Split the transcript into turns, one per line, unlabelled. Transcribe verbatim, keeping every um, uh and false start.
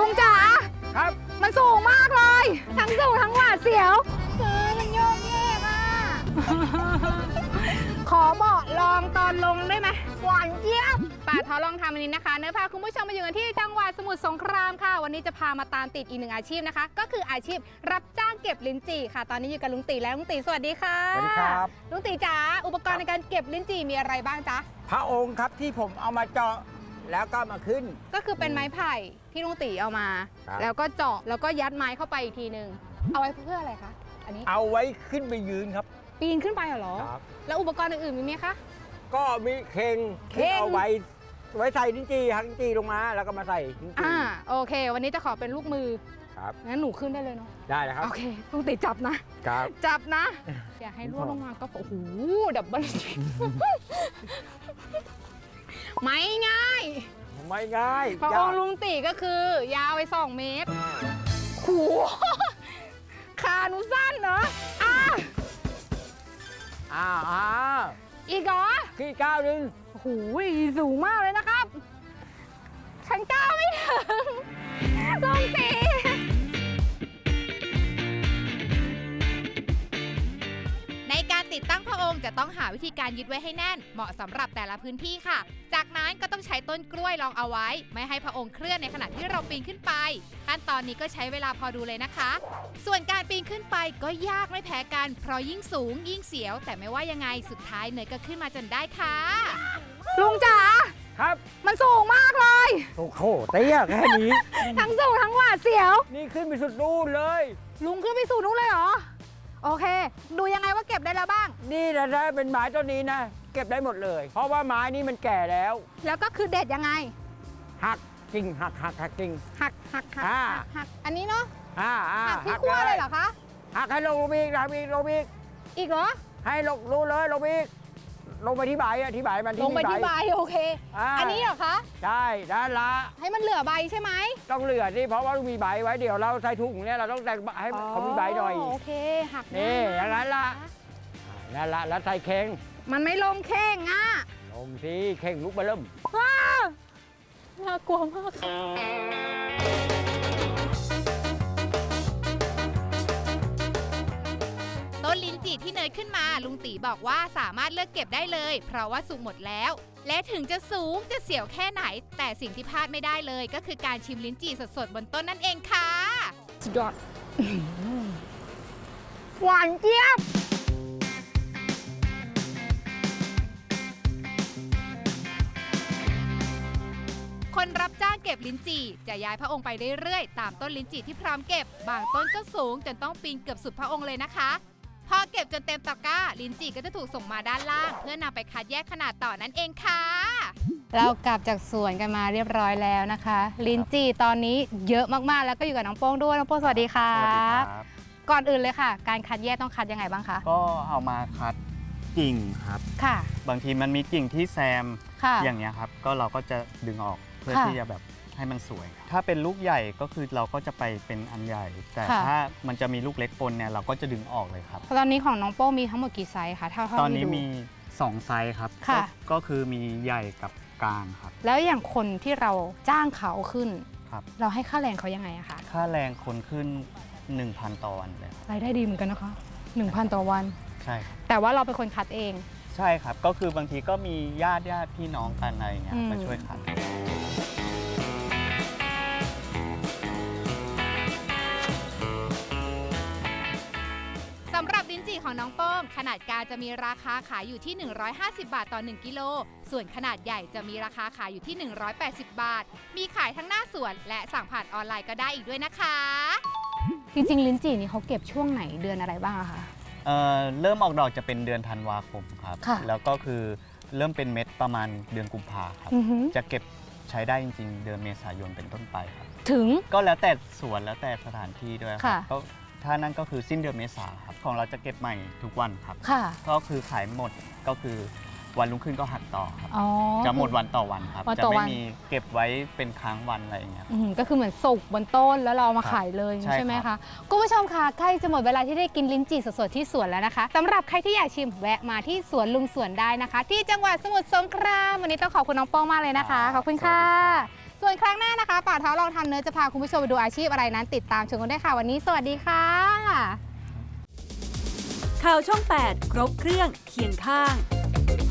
งจ๋า
ครับ
มันสูงมากเลย ทั้งสูงทั้งหวาดเสียวเออมันโยกเยกอ่ะ ขอเบาะลองตอนลงได้ไหมหวานเจี๊ยบป่าท้อลองทำอันนี้นะคะเนื้อพาคุณผู้ชมมาอยู่กันที่จังหวัดสมุทรสงครามค่ะวันนี้จะพามาตามติดอีกหนึ่งอาชีพนะคะก็คืออาชีพรับจ้างเก็บลิ้นจี่ค่ะตอนนี้อยู่กับลุงตีแล้วลุงตีสวัสดีค่ะ
สวัสดีครับ
ลุงตีจ๋าอุปกรณ์ในการเก็บลิ้นจี่มีอะไรบ้างจ๊ะ
พระองค์ครับที่ผมเอามาเจาะแล้วก็มาขึ้น
ก็คือเป็นไม้ไผ่ที่ลุงตีเอามา
ครับ
แล้วก็เจาะแล้วก็ยัดไม้เข้าไปอีกทีหนึ่งเอาไว้เพื่ออะไรคะอันนี้
เอาไว้ขึ้นไปยืนครับ
ปีนขึ้นไปเหรอ
ครับ
แล้วอุปกรณ์อื่นๆมีไหมคะ
ก็มีเข่ง
เข่ง
เอาไว้ไว้ใส่ลิ้นจี่หักลิ้นจี่ลงมาแล้วก็มาใส่ลิ้นจี่
อ่าโอเค วันนี้จะขอเป็นลูกมือ
ครับ
งั้นหนูขึ้นได้เลยเนาะ
ได้แล้วครับ
โอเคลุงตีจับนะ
ครับ
จับนะ อย่าให้ร่วงลงมาก็โอ้โหดับเบิล ไม่ง่าย
ไม่ง่าย
พระองค์ลุงตีก็คือยาวไปสองเมตรโหขาหนูสั้นเนาะอ่ะ
อ้าวอ้าว
อีกเหรอ
ขี้ก้าวหนึ่ง
โอ้โหสูงมากเลยนะครับ ฉันก้าวไม่ถึงลุงตี
ในการติดตั้งพระองค์จะต้องหาวิธีการยึดไว้ให้แน่นเหมาะสำหรับแต่ละพื้นที่ค่ะ จากนั้นก็ต้องใช้ต้นกล้วยรองเอาไว้ ไม่ให้พระองค์เคลื่อนในขณะที่เราปีนขึ้นไปขั้นตอนนี้ก็ใช้เวลาพอดูเลยนะคะ ส่วนการปีนขึ้นไปก็ยากไม่แพ้กันเพราะยิ่งสูงยิ่งเสียว แต่ไม่ว่ายังไงสุดท้ายเนยก็ขึ้นมาจนได้ค่ะ
ลุงจ๋า
ครับ
มันสูงมากเลย
โอ้โหเตี้ยแค่นี้
ทั้งสูงทั้งหวาดเสียว
นี่ขึ้นไปสุดนู่นเลย
ลุงขึ้นไปสู่นู้นเลยเหรอ โอเค ดูยังไงว่าเก็บได้แล้วบ้าง
นี่นะถ้าเป็นไม้ต้นนี้นะ เก็บได้หมดเลย เพราะว่าไม้นี้มันแก่แล้ว
แล้วก็คือเด็ดยังไง
หักกิ่งหักหักหักกิ่ง
หักหักหัก
อ่า
หักหักอันนี้เนาะ
อ่าอ่า
หักที่ขั้วเลยเหรอคะ
หักให้ลงลงไปอีกหักอีกลงไปอีก
อีกเหรอ
ให้ลงรู้เลยลงไปอีกลงไปที่ใบอะที่ใบมันที่
ลงไปที่ใบโอเค
า
อันนี้เหรอคะ
ใช่ด้านละ
ให้มันเหลือใบใช่ไหม
ต้องเหลือที่เพราะว่ามีใบไว้เดี๋ยวเราใส่ถุงเนี่ยเราต้องแต่งให้เขามีใบหน่อย
โอเค หัก
นี่
ได้
อย่างนั้นละนั่นละแล้วใส่เข่ง
มันไม่ลงแข้งอ่ะ
ลงสิเข่งลุกมาเริ่ม
ว้าน่ากลัวมากค่ะ
ต้นลิ้นจี่ที่เนยขึ้นมาลุงตีบอกว่าสามารถเลือกเก็บได้เลย เพราะว่าสุกหมดแล้ว และถึงจะสูงจะเสียวแค่ไหน แต่สิ่งที่พลาดไม่ได้เลย ก็คือการชิมลิ้นจี่สดๆบนต้นนั่นเองค่ะ
สุดยอดหวานเจี๊ยบ
คนรับจ้างเก็บลิ้นจี่จะย้ายพระองค์ไปเรื่อยๆตามต้นลิ้นจี่ที่พร้อมเก็บบางต้นก็สูงจนต้องปีนเกือบสุดพระองค์เลยนะคะพอเก็บจนเต็มตะกร้าลิ้นจี่ก็จะถูกส่งมาด้านล่าง เพื่อนำไปคัดแยกขนาดต่อนั่นเองค่ะ
เรากลับจากสวนกันมาเรียบร้อยแล้วนะคะ ลิ้นจี่ตอนนี้เยอะมากๆ แล้วก็อยู่กับน้องโป้งด้วยน้องโป้งสวัสดีค่ะ
สวัสดีครับ
ก่อนอื่นเลยค่ะ การคัดแยกต้องคัดยังไงบ้างคะ
ก็เอามาคัดกิ่งครับ
ค่ะ
บางทีมันมีกิ่งที่แซม
ค่ะ
อย่างเงี้ยครับ ก็เราก็จะดึงออกเพื่อ
ค่ะ
ที่จะแบบให้มันสวย ถ้าเป็นลูกใหญ่ก็คือเราก็จะไปเป็นอันใหญ่ แต่
ค่ะ
ถ้ามันจะมีลูกเล็กปนเนี่ยเราก็จะดึงออกเลยครับ
ตอนนี้ของน้องโป้งมีทั้งหมดกี่ไซส์คะเท่าเท่า
ตอนนี้
ที่ดู
มีสองไซส์ครับ
ค่ะ
ก็ก็คือมีใหญ่กับกลางครับ
แล้วอย่างคนที่เราจ้างเขาขึ้น
ครับ
เราให้ค่าแรงเขายังไงอะคะ
ค่าแรงคนขึ้น หนึ่งพัน ต่อวันเลยครับ
รายได้ดีเหมือนกันนะคะหนึ่งพันต่อวัน
ใช่ครับ
แต่ว่าเราเป็นคนคัดเอง
ใช่ครับ ก็คือบางทีก็มีญาติญาติพี่น้องกันอะไรเงี้ย
อืม
มาช่วยคัด
สำหรับลิ้นจี่ของน้องโป้งขนาดกลางจะมีราคาขายอยู่ที่ หนึ่งร้อยห้าสิบบาทต่อหนึ่งกิโล ส่วนขนาดใหญ่จะมีราคาขายอยู่ที่ หนึ่งร้อยแปดสิบบาท มีขายทั้งหน้าสวนและสั่งผ่านออนไลน์ก็ได้อีกด้วยนะคะ
จริงๆลิ้นจี่นี่เขาเก็บช่วงไหนเดือนอะไรบ้างอะคะ
เอ่อเริ่มออกดอกจะเป็นเดือนธันวาคมครับ
ค่ะ
แล้วก็คือเริ่มเป็นเม็ดประมาณเดือนกุมภาครับ
อือหือ
จะเก็บใช้ได้จริงๆ เดือนเมษายนเป็นต้นไปครับ
ถึง
ก็แล้วแต่สวนแล้วแต่สถานที่ด้วยครั
ค่ะ
ก็ถ้านั่นก็คือสิ้นเดือนเมษาครับ ของเราจะเก็บใหม่ทุกวันครับ
ค่ะ
ก็คือขายหมดก็คือวันรุ่งขึ้นก็หักต่อครับ
อ๋อ
จะหมดวันต่อวันครับ
วัน
จะ
ต่อ
ไม่
วัน
มีเก็บไว้เป็นค้างวันอะไรอย่างเงี้ยครับ
อืมก็คือเหมือนสุกบนต้นแล้วเราเอามา
ครับ
ขายเลย
ใช่
ใช่ไหม
ครั
คะ
บ
คุณผู้ชมคะใกล้จะหมดเวลาที่ได้กินลิ้นจี่สดๆที่สวนแล้วนะคะสำหรับใครที่อยากชิมแวะมาที่สวนลุงสวนได้นะคะ ที่จังหวัดสมุทรสงครามวันนี้ต้องขอบคุณน้องโป้งมากเลยนะคะขอบคุณค่ะส่วนครั้งหน้านะคะป่าท้อลองทำเนื้อจะพาคุณผู้ชมไปดูอาชีพอะไรนั้นติดตามชมกันได้ค่ะวันนี้สวัสดีค่ะ
ข่าวช่อง แปด ครบเครื่องเคียงข้าง